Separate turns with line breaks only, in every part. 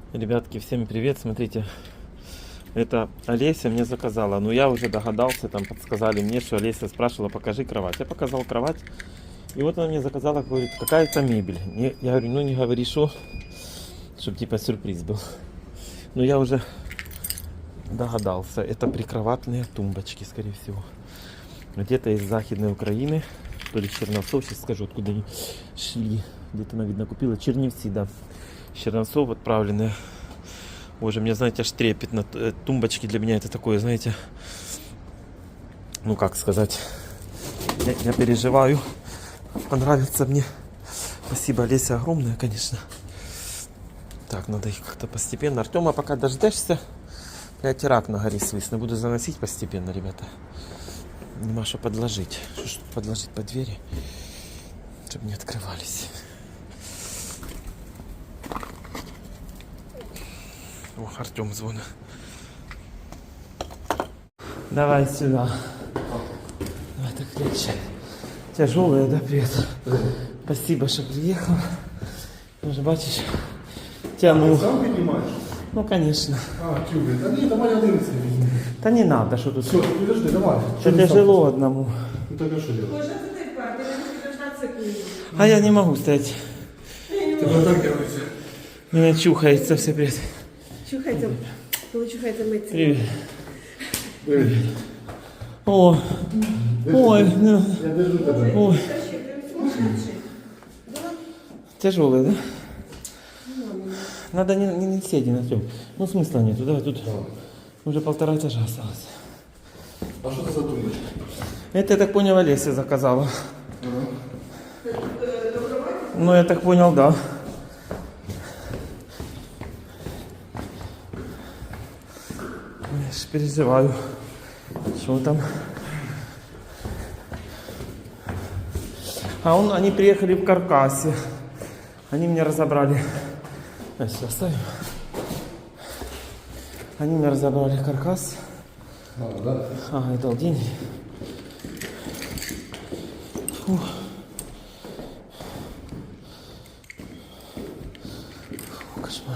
Ребятки, всем привет! Смотрите, это Олеся мне заказала. Но я уже догадался, там подсказали мне, что Олеся спрашивала, покажи кровать. Я показал кровать. И вот она мне заказала, говорит, какая-то мебель. Я говорю, ну не говори, что, чтобы типа сюрприз был. Но я уже догадался. Это прикроватные тумбочки, скорее всего. Где-то из Захидной Украины. То ли Черновцов, сейчас скажу, откуда они шли. Где-то она, видно, купила. Черневцы, да. Черновцов отправленные. Боже, мне, знаете, аж трепетно. Тумбочки для меня это такое, знаете, ну как сказать, я переживаю. Понравится мне. Спасибо, Олеся, огромное, конечно. Так, надо их как-то постепенно. Артема пока дождешься. Блять, рак на горе свистно. Буду заносить постепенно, ребята. Нема что подложить. Что подложить под двери, чтобы не открывались. О, Артем звонит. Давай сюда. Давай так легче. Тяжелая, да, привет? Спасибо, что приехал. Уже бачишь, тяну.
Ты сам поднимаешь?
Ну, конечно.
Тюбик. Да нет, давай один візьми.
Да не надо, что тут.
Все, подожди, давай.
Что тяжело одному.
Ну так а что делать?
Боже, ты так, ты не должна цикливать.
А я не могу стоять.
Ты вот так делаешь.
Меня чухается все, привет.
Чухайте, коли чухайте миться.
Привет.
Привет.
О, ой, ну,
Я держу тебе.
ой.
Скажи, ты сумасшедший? Да?
Тяжелый, да? Надо не сидеть на трём. Ну, смысла нету, давай тут уже 1,5 этажа осталось.
А что это за тумбочка?
Это, я так понял, Олеся заказала. Ну, я так понял, да. Я ж переживаю. Что там? Они приехали в каркасе. Они мне разобрали. Сейчас оставим. Они мне разобрали каркас.
Да?
Ага, и дал деньги. Фух. Фу, кошмар.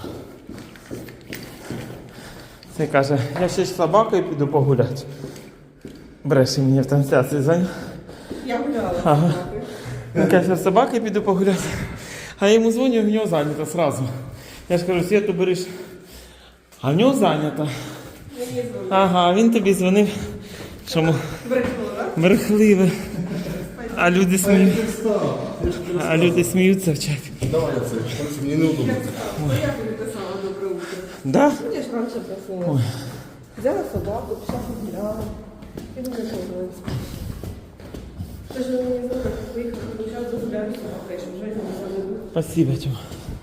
Це каже, я ще з собакою піду погуляти. Бреше мені в трансляції зайняв.
Я гуляла.
Ага. Він каже, з собакою піду погуляти. А я йому дзвоню, в нього зайнято сразу. Я ж кажу, Світу береш. А в нього зайнято.
Мені дзвонили.
Ага, він тобі дзвонив. Чому?
Брехнула.
Брехливе. А люди сміються в чаті.
Давай я це. Просто мені неудобно.
Я тобі писала добре утро.
Да?
Я ж раніше просила. Взяла собаку, пішла погуляла. І не погуляла. Ти ж мені дзвонила, поїхала, зараз загуляю з собакою, щоб вже не забуду.
Спасибо, Тёма.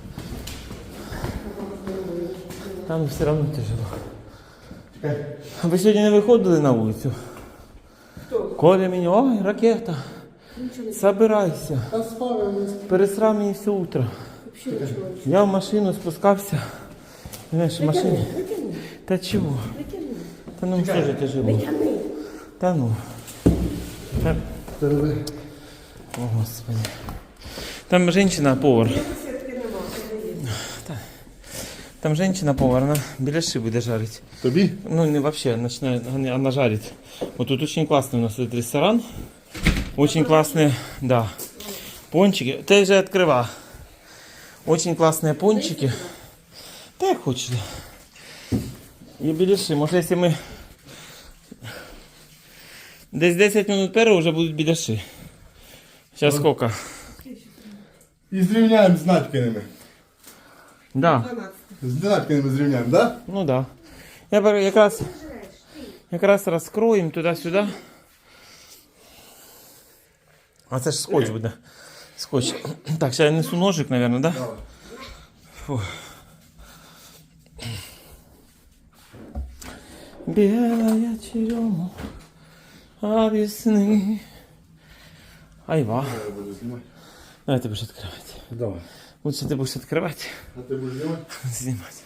Там все равно тяжело. А ви сьогодні не виходили на вулицю?
Хто?
Коля мені, ой, ракета. Собирайся.
А спав я.
Пересрав мені все утро.
Взагалі нічого.
Я в машину спускався. Знаєш, в машині.
Витягни,
Та чого?
витягни.
Та ну все ж тяжело.
Витягни.
Та ну. Та...
Давай.
О, Господи. Там женщина-повар.
Сітки нема, це не є.
Там женщина-повар, она беляши будет жарить.
Тобі?
Ну, не вообще, начинает, она жарит. Вот тут очень классный у нас этот ресторан. Очень классные, да, пончики. Ты же открыла. Очень классные пончики. Да, як хочешь. И беляши. Может, если мы... Десь 10 минут первого уже будут беляши. Сейчас сколько?
І зрівняємо з Надькиними.
Да.
12.
З Надькиними зрівняємо, да?
Ну да. Якраз розкроємо туди-сюди. А це ж скотч буде. Скотч. Так, сейчас я несу ножик, наверное, да?
Давай.
Фу. Белая черемуха весны. Айва.
Я буду знімати.
Давай ты будешь открывать.
Давай.
Лучше ты будешь открывать,
А ти будеш знімати?
снимать.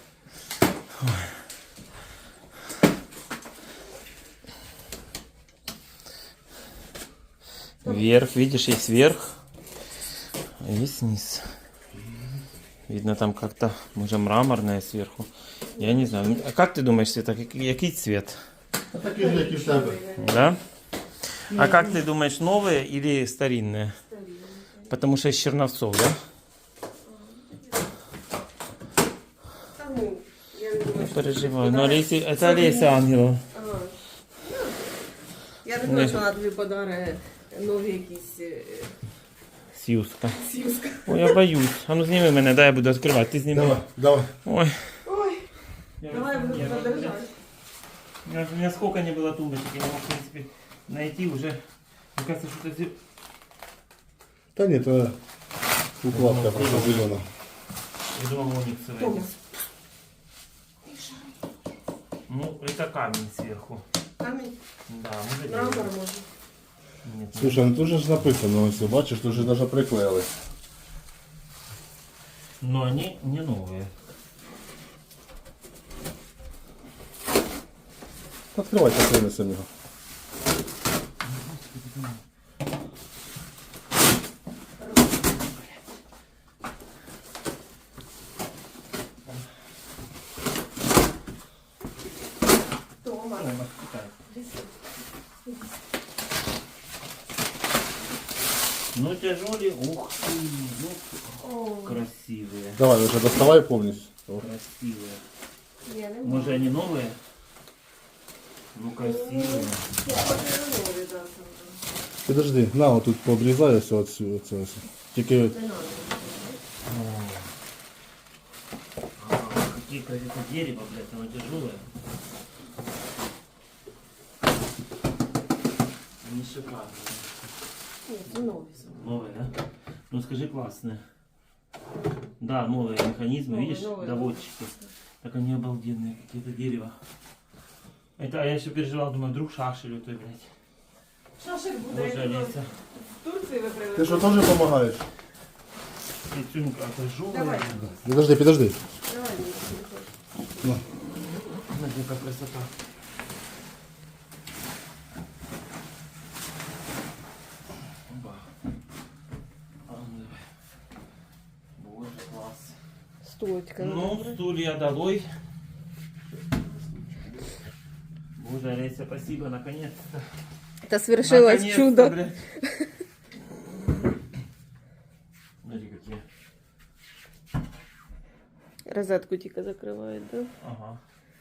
Вверх, видишь, есть вверх, а есть низ. Видно, там как-то, может, мраморное сверху. Я не знаю. А как ты думаешь, Света, який цвет?
А такі ж, як і в тебе.
Да? А как ты думаешь, новые или старинные? Потому что из Черновцов, да?
Та ну, я не думаю, що
Переживаю. Но Олеся, это Олеся Ангелова.
Я не думаю, що вона тобі подарує нові якісь
Сьюзка.
сюзка.
Ой, я боюсь. А ну сними мене, дай я буду відкривати. Ти зніми.
Давай, давай.
Ой.
Ой, давай я буду тебе держати.
У меня сколько не было тумбочек, я не мог, в принципе, найти уже. Мне кажется, что это...
Та ні, то укладка просто зелена.
Я думал, ониксовый.
Томас.
Ну, это камень сверху.
Камінь?
Да, может
Мрамор
дерево.
може.
Нет,
Слушай, ну тут же ж написано, ось, бачиш, тут же навіть приклеїли.
но они не новые.
Відкривайте, принесемо його.
Томас.
Ну, тяжелые, ух ты, ну,
О,
красивые.
Давай, вже доставай повністю. О.
Красивые.
я не
Может,
знаю.
они новые? Ну, красивые.
Я хочу нові, да, саме.
Підожди, на, отут пообрізай ось оцю, оце ось. Тільки
Не надо.
Какие это дерево, блядь, оно тяжелое. Они шикарные.
Ні, це нові саме.
Новые, да? Ну скажи, классные. Да, новые механизмы,
Новые,
видишь,
новые,
доводчики. Так они обалденные, какие-то дерево. Это, а я еще переживал, думаю, вдруг шашель у той, блядь.
Шашик буде,
Боже,
як
Олеся.
в Турції ви
ти
привезли.
що теж допомагаєш?
Пицунька, это жёлтая.
Давай.
Підожди, підожди.
Давай, мені телефон.
На.
Смотри, какая красота. Оба. А, ну давай. Боже, класс.
Стойка.
Ну, стулья долой. Боже, Олеся, спасибо, наконец-то.
Та свершилось
Наконец-то,
чудо.
блядь. Смотри, какие.
Розетку тільки закривають, да?
Ага.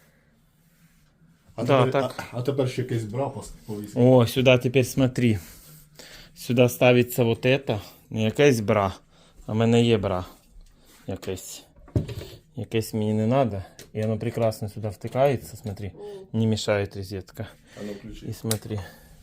А
Да,
тепер,
так.
А тепер ще якийсь бра повісити.
О, сюда теперь смотри. Сюда ставится вот это. Не якась бра. А в мене є бра. Якась. Якась мені не надо. И оно прекрасно сюда втыкается, смотри. Не мешает розетка.
А ну включи.
И смотри.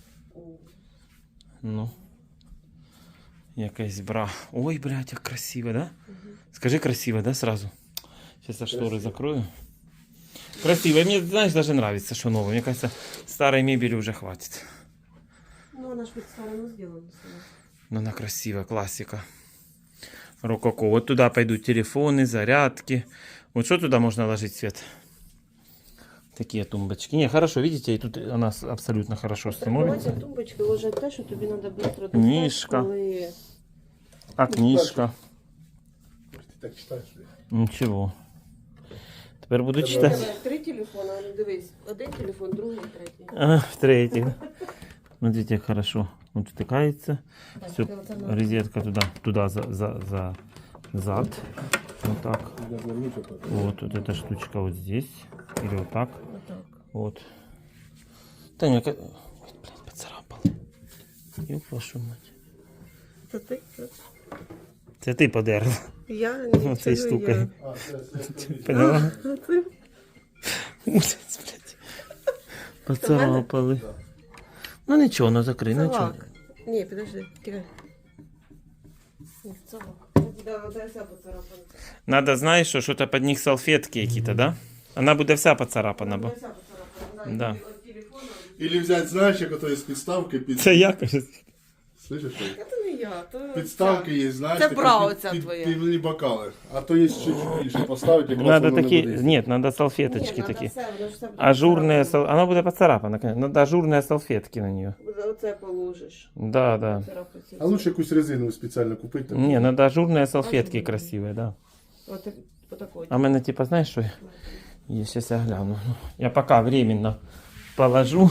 Ну. Якась бра. Ой, блядь, как красиво, да? Скажи красиво, да, сразу? Сейчас я шторы закрою. Красиво. И мне, знаешь, даже нравится, что новое. Мне кажется, старой мебели уже хватит.
Ну, вона ж підставлено зроблена.
Но она красивая, классика. Рококо. Вот туда пойдут телефоны, зарядки. Вот что туда можно ложить, Свет? Такие тумбочки. Не, хорошо, видите, и тут она абсолютно хорошо становится.
Ці тумбочки ложать те, що тобі треба швидко достати,
Книжка.
коли...
А книжка?
Ти так читаєш?
Ничего. Теперь буду
У
читать.
тебе 3 телефони, ну дивись, один телефон, другий, третій.
А, в третий. Смотрите, как хорошо. Он втыкается. Все,
це оце надо.
розетка туда за зад. Вот так. Вот эта штучка вот здесь. Или вот так.
Отак.
Вот. Таня, ой, блин, поцарапал. Ёб вашу мать.
Це ти?
Це ти подерла.
Я не
Цією
це
штукою.
я.
Поняла?
А ти?
Ужас, блядь. Поцарапали. Ну нічого, ну закрий, ну
Це
нічого.
лак. Ні, підожди, тікай. Ні, це лак. Це буде вся поцарапана.
Надо, знаєш, що що-то під них салфетки які-то, да? Вона буде вся поцарапана, бо.
Вся поцарапана.
Да.
От телефону.
Ілі взяти, знаєш, як ото з підставки під...
Це я, кажу.
Слышиш? що?
Це не я, то...
Підставки є, знаєш,
Це
така
бра
під-
оця
під
твоя.
півні бокали. А то є ще більше поставити, якраз
Надо
воно не
такі,
буде.
ні, надо
Ні,
салфеточки
надо
такі.
все, воно ж все буде
Ажурные,
поцарапано.
она будет поцарапана, конечно. Надо ажурные салфетки на нее.
Оце положиш.
Да, да.
Царапати.
А лучше якусь резину спеціально купити.
Не, надо ажурные салфетки красивые, да.
По такой.
А в мене, типа, знаєш, що є? Сейчас я гляну. Я пока временно положу.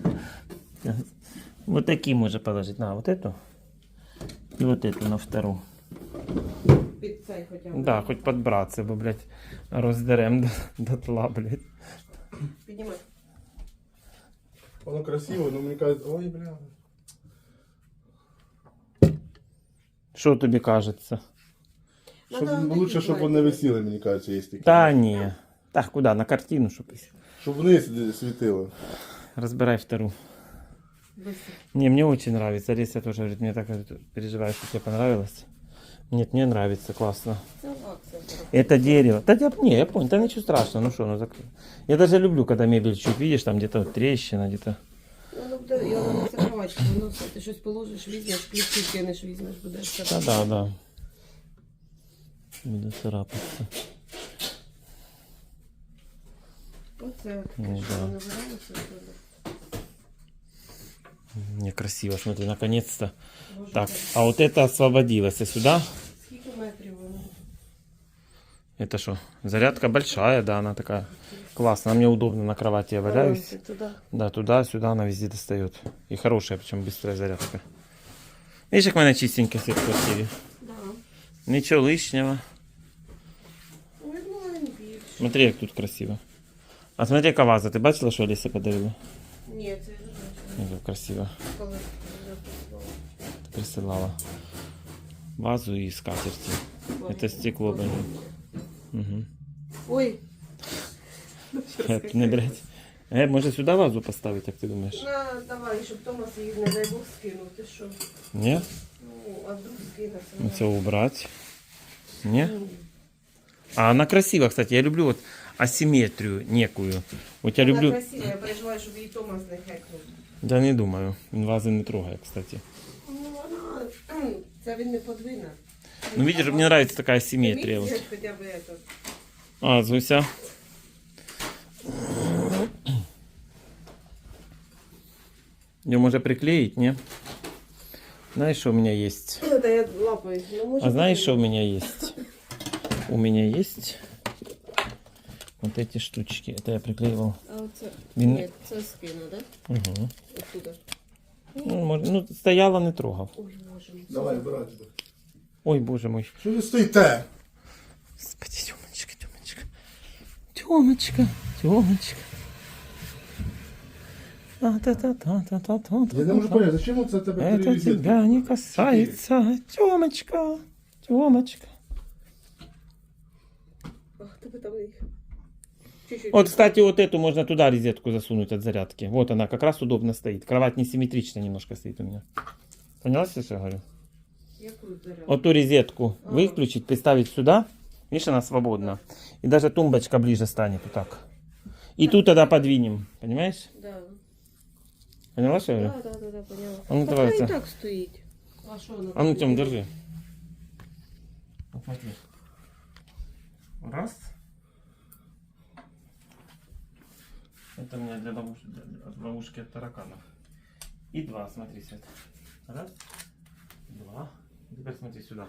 Вот такие можно положить. На, вот эту. И вот эту на вторую.
Під цей хоча б.
Да, хоть подбраться, бо, блядь, роздерем дотла, блядь.
Піднімай.
Воно красиво, но мені кажуть, ой, бля.
Що тобі кажеться?
Щоб,
Надо
лучше,
такі
щоб
брати.
вони висіли, мені кажеться, є такі.
Та ні. Так, куди? На картину, щоб
Щоб вниз світило.
разбирай вторую.
Быстро.
Не, мне очень нравится. Олеся тоже говорит, мне так переживаю, что тебе понравилось. Нет, мне нравится, классно.
Це акція.
Это дерево. Да я понял, да ничего страшного, ну что, ну закрой. Я даже люблю, когда мебель чуть видишь, там где-то вот трещина, где-то.
Ну, буде, я вам закривати, воно все. Ти щось положиш, візьмеш, ключі кинеш, візьмеш, буде все.
Да. Буду царапаться.
Оце,
Ну,
що
да.
набиралося.
Мне красиво, смотри, наконец-то.
Боже,
Так, а вот это освободилось. И сюда,
скільки метрів воно?
это что, зарядка большая, да, она такая классная. Мне удобно на кровати, я валяюсь.
Ти туди.
Да, туда-сюда она везде достает. И хорошая, причем быстрая зарядка. Видишь, как у меня чистенько все в квартире.
Да.
Ничего лишнего.
Ну, я думала, він більше.
Смотри, как тут красиво. А смотри, яка ваза. Ты бачила, что Алиса подарила?
Ні, це я не знаю,
Как красиво.
коли я працювала.
Присылала. Вазу и скатерти. Это стекло, блин. Угу.
Ой. Ну, що
Не
сказати.
брать. Может сюда вазу поставить, как ты думаешь?
На, давай, щоб Томас її, не дай Бог, скинув. Ти що?
Нет?
Ну, а вдруг скинеться?
Ну, все убрать. Не? А она красива, кстати. Я люблю вот асимметрию некую. Вот я
Вона
люблю...
красива, я переживаю, щоб її Томас не хекнув.
Да не думаю. Він вази не трогає, кстати.
Ну, вона... Це він не подвине.
Ну, видишь, мне нравится такая асимметрия. Вот.
Хоча б это.
А, Зуся. Ее можно приклеить, не? Знаешь, что у меня есть?
Это я лапаю. Ну, може,
А знаешь, что у
подвине.
меня есть? У меня есть вот эти штучки. Это я приклеивал.
А оце?
Він-
Ні, це скину, да?
Угу.
Оттуда.
Ну, стояла, не трогав.
Ой, боже мій.
Давай, брать.
Ой, боже мой.
Що ви стоїте?
Господи, Тёмочка, Тёмочка. Тёмочка, Тёмочка. Та-та-та-та-та-та-та.
Я не можу поняти, зачем це тебе
Это
телевізор?
тебя не касается, Тёмочка, Тёмочка.
Ах, тебе там їх. Чуть-чуть.
Вот, кстати, вот эту можно туда розетку засунуть от зарядки. Вот она как раз удобно стоит. Кровать несимметрично немножко стоит у меня. Поняла, что я говорю?
Яку зарядку?
Вот ту розетку выключить, приставить сюда. Видишь, она свободна. И даже тумбочка ближе станет вот так. И тут тогда подвинем. Понимаешь?
Да.
Поняла, что я говорю?
Да, поняла.
А ну,
Пока
давай
і
це.
так стоїть. А що воно?
А ну, Тём, держи. Вот смотри. Раз. Это у меня для ловушки от тараканов. И два, смотри, Свет. Раз, два. Теперь смотри сюда.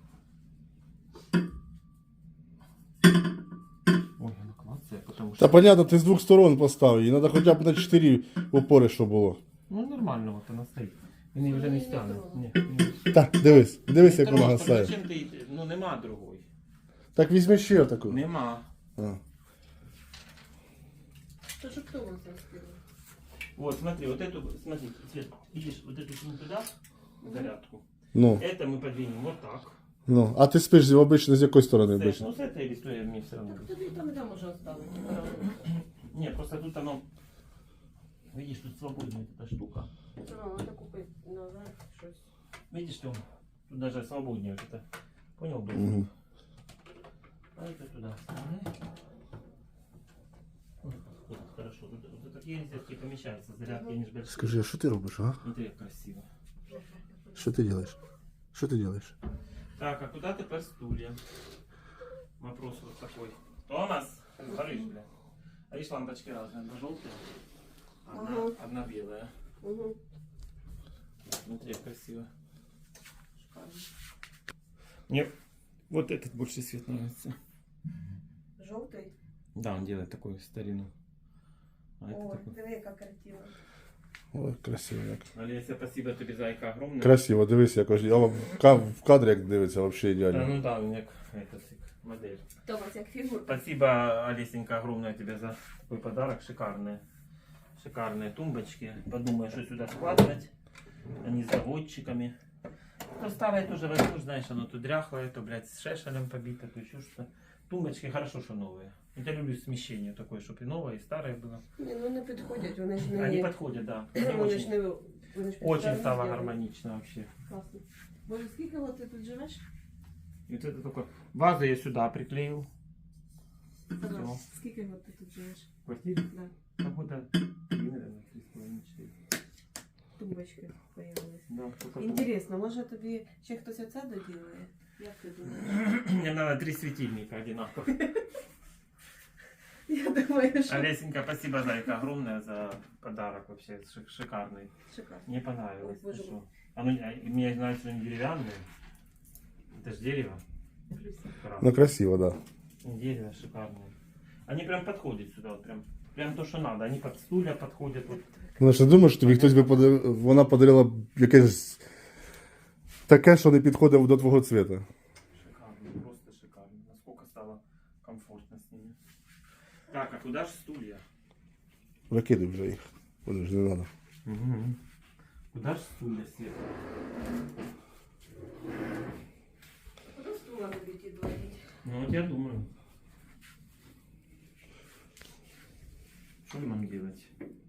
Ой, она классная, потому что...
Та понятно, ти з двох сторон поставив. Їй треба хоча б на 4 опори, щоб було.
Ну, нормально вот она стоит. Він її вже не стягне. Ні.
Так, дивись, як вона
Просто
гасає.
зачем ти... Ну, нема другої.
Так візьми ще таку.
Нема.
А.
То що хто вас розкинув?
Вот, смотри, вот эту, смотри, Свет, видишь, вот эту кинь туда, зарядку.
Ну,
Это мы подвинем вот так.
ну. А ти спиш обично з якої сторони
С,
обично?
ну, с этой или с той мне все равно.
Так тобі там і там можна оставити.
Не, просто тут оно, видишь, тут свободная эта штука.
Треба купити назад щось.
Видишь, Тём, тут даже свободнее вот это. Понял, был?
Угу.
А это туда. вставляй. Вот, хорошо. Вот такие розетки помещаются, зарядки они же большие.
Скажи, а що ти робиш, а?
Смотри, как красиво.
Що ти робиш? Що ти робиш?
Так, а куда теперь стулья? Вопрос вот такой. Томас, говоришь, бля. А видишь, лампочки разные. Одна желтая, одна белая.
Угу.
Смотри, как красиво. Мне Вот этот больше цвет нравится.
Жовтий?
Да, он делает такую старину. А это
Ой,
такой.
диви, яка картина.
Ой, красиво як.
Олеся, спасибо тобі, зайка, огромное.
Красиво, дивись, якось. Я в кадрі як дивиться, взагалі
Да,
ідеально.
ну да, у меня это модель.
Томас, як фігур.
Спасибо, Олесенька, огромное тебе за такой подарок. Шикарные. Шикарные тумбочки. Подумай, что сюда складывать. Они с заводчиками. Ну, старое тоже возьмешь, знаешь, оно то дряхлое, то, блядь, с шешелем побито, то еще что. Тумбочки хорошо, что новые. Я люблю смещение такое, чтобы и новое, и старое было.
Ні, ну не підходять, вони ж не...
Они подходят, да. Они
Вони ж
очень,
не... Вони ж
очень
спеціально
стало
зроблені.
гармонично вообще.
Класно. Боже, скільки от ти тут живеш?
И вот это только... Вазу я сюда приклеил.
Ага. Скільки от ти тут живеш?
В квартире.
Да.
Там года 3, наверное, 3,5-4.
Тумбочки появились.
Да, только
Інтересно, може тобі ще хтось оце доділає? Як ти думаєш?
Мне надо 3 светильника одинаковых.
Я думаю, що...
Олесенька, спасибо, зайка, огромное за подарок. Вообще шикарный.
Шикарно.
Мне понравилось.
Ой, боже
ты
мой.
шо? Мне нравится, что они деревянные. Это же дерево.
Ну красиво, да.
Дерево шикарное. Они прям подходят сюда, вот прям то, что надо. Они под стулья подходят. Вот.
Ну що думаєш, тобі хтось би вона подарила б якесь таке, що не підходить до твого цвіта.
Шикарно, просто шикарно. Насколько стало комфортно с ними. Так, а куда же стулья?
Викидай вже їх. Вони ж не треба.
Куда же стулья, Света?
Куди стула тобі ті двоїть?
Ну вот я думаю. Что нам делать?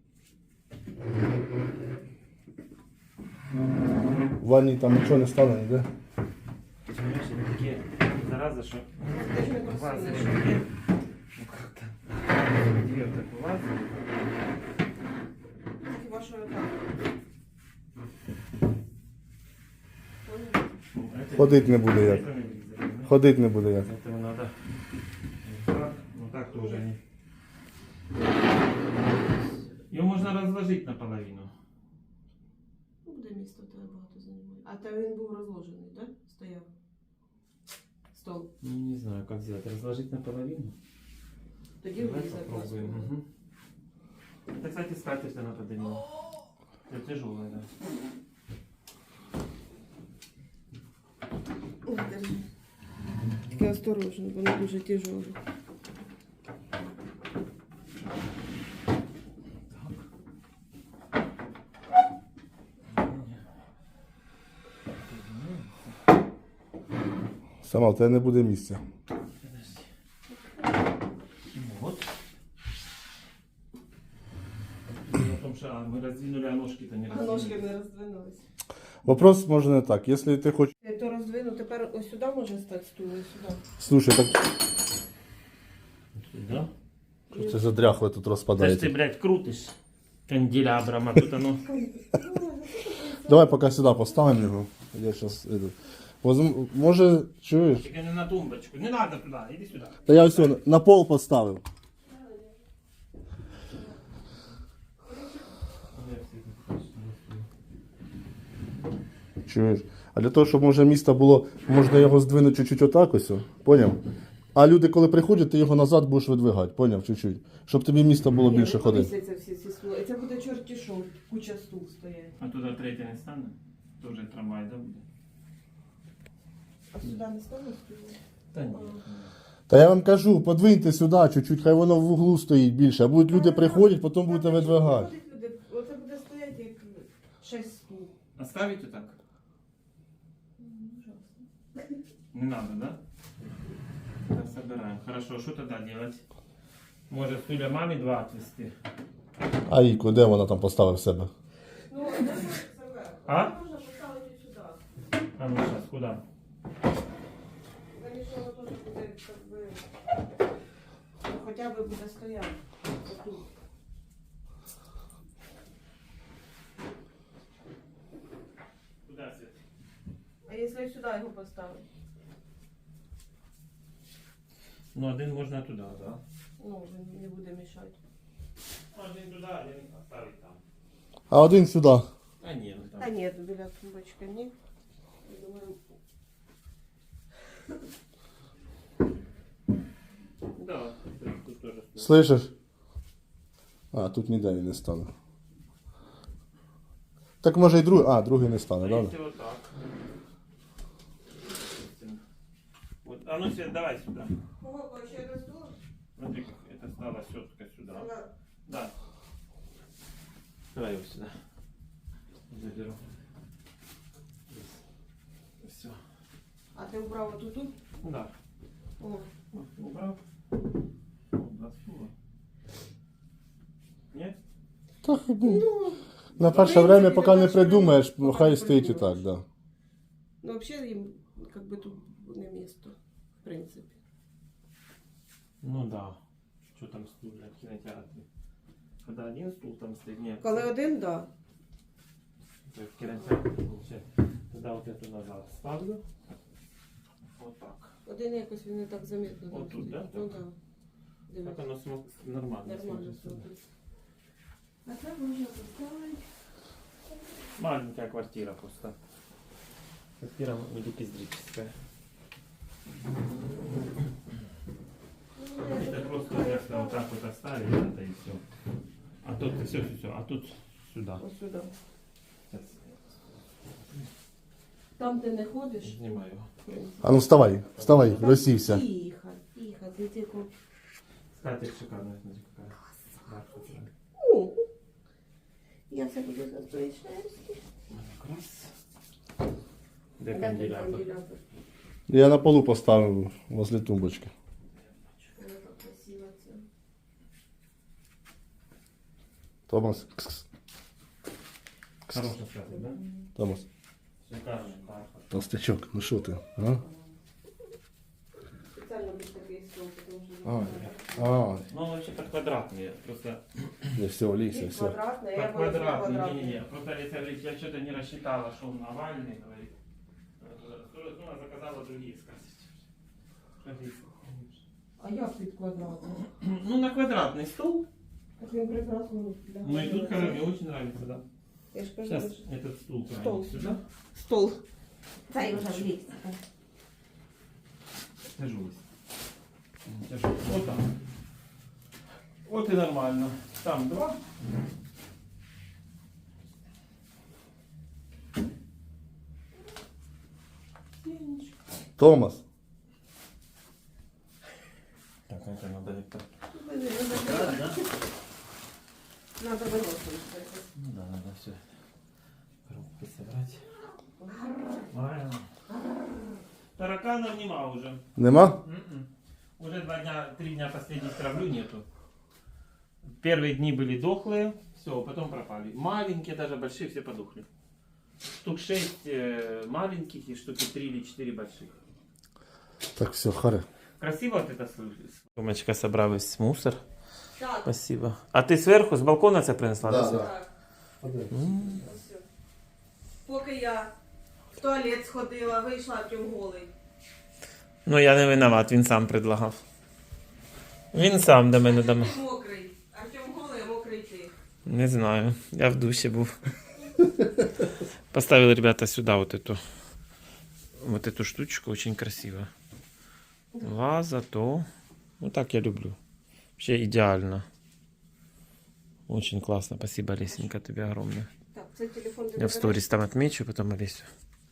В ванні там нічого не стане, ніде.
Понимаешь, это такие заразы, что
Ти ж не
вазы
просила.
такие, ну как-то, две вот такой вазы.
Хіба що так?
Ну, это-
Ходить не буде як.
это не вылезали, да?
Ходить не буде як.
Этого надо вот так, ну так тоже они. Ее можно разложить наполовину.
Ну, буде місто в тебе багато займає. А та він був розложений, так? Да? Стояв. Стол.
Ну, не знаю, как сделать. Разложить наполовину.
Тоді
Давай
влізе
попробуем.
класно.
Мгм. Это, кстати, скатерть она подарила. Это тяжелая, да.
Ой, держи. Тільки осторожно, воно дуже тяжеле.
Сама, в тебе не буде місця.
Подожди. Вот. Дело в том, что мы раздвинули, а ножки-то не
А
раздвинули.
ножки не роздвинулись.
Вопрос може не так. Якщо ти хочеш.
Я то роздвину, тепер ось сюди може стати стул, ось сюди.
Слушай, так
Да?
це задряхле тут
Да ж ты,
розпадається.
блядь, крутишь канделябром, а тут оно...
Давай поки сюди поставимо його. Я зараз може, чуєш?
Только не на тумбочку. Не надо туда, иди сюда.
Та я ось його на пол поставив. Чуєш? А для того, щоб може місто було, можна його здвинути чуть-чуть отак ось, поняв? А люди, коли приходять, ти його назад будеш видвигати, поняв, чуть-чуть. Щоб тобі місто було
Ні,
більше
не
ходити.
помістяться всі ці стули. І це буде чорті шоу, куча стул стоять.
А туда третья не стане? Тоже трамвай, да, буде?
А сюди не стане стул?
Та ні.
Та я вам кажу, подвиньте сюди чуть-чуть, хай воно в углу стоїть більше. А будуть люди приходять, потім будете видвигати.
Оце буде стояти як 6 стул.
Оставить вот так? Не надо, да? Так, собираем. Хорошо, что тогда делать? Может, стулья маме 2 отвести?
А Іку, де вона там поставив себе?
Ну, а де це
А?
можна поставити сюди.
А ну сейчас, куда?
Звісно, воно теж буде, як би, ну, хоча б буде стояти. Отут.
Куда, Свет?
А якщо сюди його поставити?
Ну, один можно туда, да?
Ну, він не буде мішати.
Один туда, один оставить там.
А один сюди.
А нет, ну
Та
там.
ні, біля тумбочки ні. Я думаю,
Слышиш? А, тут ніде він не стане. Так може і другий. А, другий не стане,
А
да?
если вот так? Вот, а ну Свет, давай сюда.
Ого, вообще раздул?
Смотри, как это стала щетка сюда. Да. Давай его сюда. Заберу. Все.
А ти убрав отут?
Да.
О,
Убрал. Засунула. Нет?
Так,
ну,
на перше
принципі,
время, поки
на
не
перше время,
придумаєш,
поки
хай
не
стоїть і
придумаєш.
так, да.
ну вообще їм как бы тут не місто, в принципі.
Ну да. Что там стул для в кинотеатре? Когда один стул там стоит, нет.
Коли один, да.
То есть в кинотеатре получается. Тогда вот эту назад ставлю. Вот так.
Один якось він не так замітно. там
Отут,
стоїть.
да?
Ну
Так.
да.
Так
Дивись.
оно нормально.
Нормально
смотрится.
смотриться. А це можна поставити.
Маленькая квартира просто. Квартира милипиздрическая. Это просто ясно вот так вот оставили, это и все. А тут все, а тут сюда.
Ось сюди.
Сейчас
Там ти не ходиш.
снимаю.
в принципі.
А ну вставай, вставай, розсівся.
Тихо, тихо, ти тільки.
Скатерть шикарная, смотри какая. Да,
О, я все буду за твої шерсті.
раз. Где канделябр?
Я на полу поставив возле тумбочки.
Вона так красиво це.
Томас. Кс-кс.
Хорошая скатерть, да?
Томас.
Шикарный, бархат.
Толстячок, ну що ти? А?
Спеціально був такий стол, тому що...
А,
Ну, он вообще-то квадратный, просто
не все, Олеся,
Він
все.
квадратний, я
под
буду
квадратный.
квадратний.
Не-не-не, просто Олеся говорит, я что-то не рассчитала, что он овальный, говорит. Ну, она заказала другие скатерть.
А як під квадратний?
Ну, на квадратный стол.
Так він прекрасно
Ну, и тут мне очень нравится, да.
Я ж кажу,
Сейчас
що-
этот стул
Стол.
правильно сюда.
Стол. Дай вже влізти.
Тяжелый. Тяжелый. Вот так. Вот и нормально. Там два.
Томас.
Так, это надо это.
Надо виносити.
Ну да, надо все коробки собрать. Правильно. Тараканов нема уже.
Нема?
Уже 3 дня последних травлю нету. Первые дни были дохлые, все, потом пропали. Маленькие, даже большие, все подохли. Штук 6 маленьких и штуки 3 или 4 больших.
Так, все, харе.
Красиво вот это слышишь? Сумочка собрала весь мусор.
Так,
Спасибо. А ты сверху, с балкона это принесла?
Да,
Свет?
да.
так. Ось. Поки я в туалет сходила, вийшла, Артем голий.
Ну я не виноват, він сам предлагав. Він сам до мене дома.
Ти мокрий. Артем голий, а мокрий ти.
Не знаю, я в душі був. Поставил, ребята, сюда вот эту штучку, очень красиво. Ваза, то. Вот так я люблю. Вообще идеально. Очень классно. Спасибо, Лесенька, тебе огромное.
Так, це телефон
Я в сторис там отмечу, потом Олесю.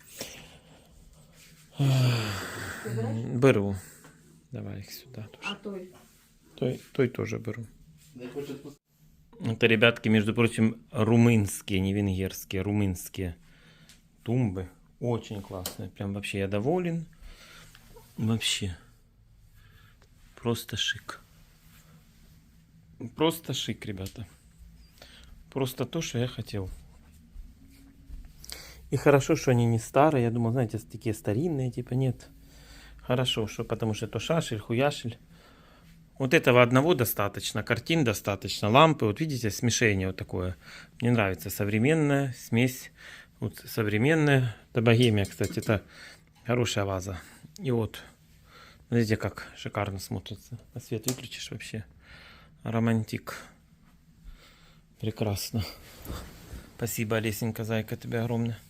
Беру. Давай их сюда
А
тоже.
той?
Той тоже беру. Это, ребятки, между прочим, румынские, не венгерские, румынские тумбы. Очень классные. Прям вообще я доволен. Вообще. Просто шик. Просто шик, ребята. Просто то, что я хотел. И хорошо, что они не старые. Я думал, знаете, такие старинные, типа нет. Хорошо, что потому что то шашель, хуяшель. Вот этого одного достаточно, картин достаточно, лампы. Вот видите, смешение вот такое. Мне нравится современная смесь. Вот современная. Это богемия, кстати, это хорошая ваза. И вот, смотрите, как шикарно смотрится. А свет выключишь вообще. Романтик. Прекрасно. Спасибо, Олесенька, зайка, тебе огромное.